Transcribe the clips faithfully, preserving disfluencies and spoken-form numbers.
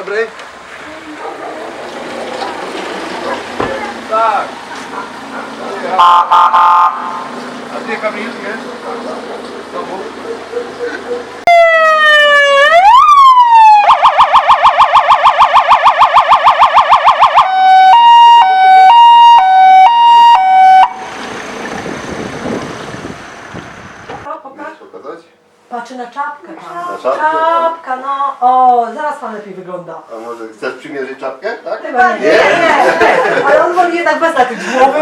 dobry. Tak. A gdzie Kamil jest? Znowu? Patrzy na czapkę tam. Na czapkę? Czapka, no. O, zaraz pan lepiej wygląda. A może chcesz przymierzyć czapkę, tak? Chyba nie. Nie, nie. Ale on woli jednak bez nakryć głowy.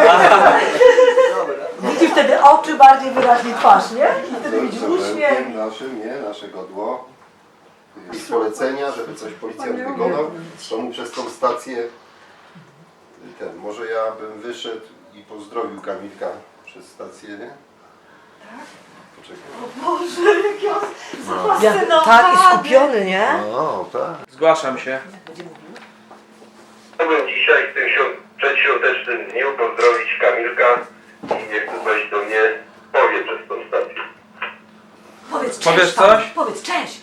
Widzi wtedy oczy, bardziej wyraźnie twarz, nie? I wtedy widzisz uśmiech. Naszym, nie, nasze godło. Z polecenia, żeby coś policjant wykonał, to mu przez tą stację ten, może ja bym wyszedł i pozdrowił Kamilka przez stację, nie? Tak? Poczekaj. O Boże, jaki on zafascynowany. Tak, i skupiony, nie? O, tak. Zgłaszam się. Chciałbym dzisiaj w tym świąt- przedświątecznym dniu pozdrowić Kamilka i niech tu weź do mnie powie przez tą stację. Powiedz cześć. Powiesz tam. coś? Powiedz cześć.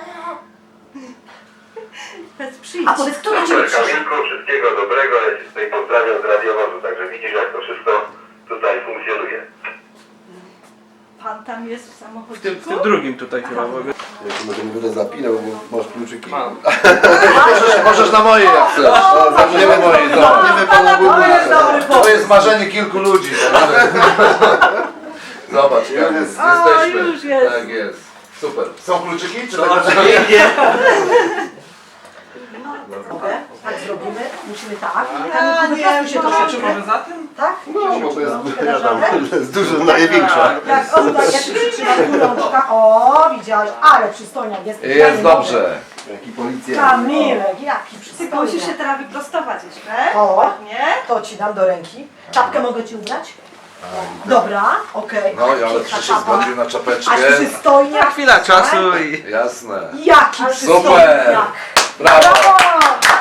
Przyjdź. A powiedz, kto do ciebie Super przyszedł? Kamilku, wszystkiego dobrego, ja Cię tutaj pozdrawiam z radiowozu, także widzisz jak to wszystko tutaj funkcjonuje. Pan tam jest w W tym, samochodzie. w tym drugim tutaj chyba. Bo... Ja ci może nie będę zapinał, bo masz kluczyki. Mam. Możesz, możesz na moje jak chcesz. No, zamkniemy moje, zamkniemy pana To jest dobry Bóg. To pomysł. jest marzenie kilku ludzi. Zobacz, jak jest, O, jesteśmy. już jest. Tak jest. Super. Są kluczyki? Czy To tak? oczywiście. Mogę? Tak zrobimy. Musimy tak. Ja Kamilku, nie wyprostuj się mogę. Czy troszeczkę. może za tym? Tak? No, bo to jest, Rączkę ja dasz tam, radę? to jest dużo największa. Jak on tak, jak przytrzyma tu rączka. O, widziałeś, ale przystojniak jest. Jest dobrze. Jaki policjant. Kamilek, jaki Tylko przystojniak. musisz się teraz wyprostować jeszcze. O. Ładnie. To ci dam do ręki. Czapkę mogę ci ubrać? Dobra, okej. No, ale Piękna czy się czapa. zgodził na czapeczkę? A przystojniak. Chwila czasu i... Jasne. Jaki Super. przystojniak. Brawo. Brawo!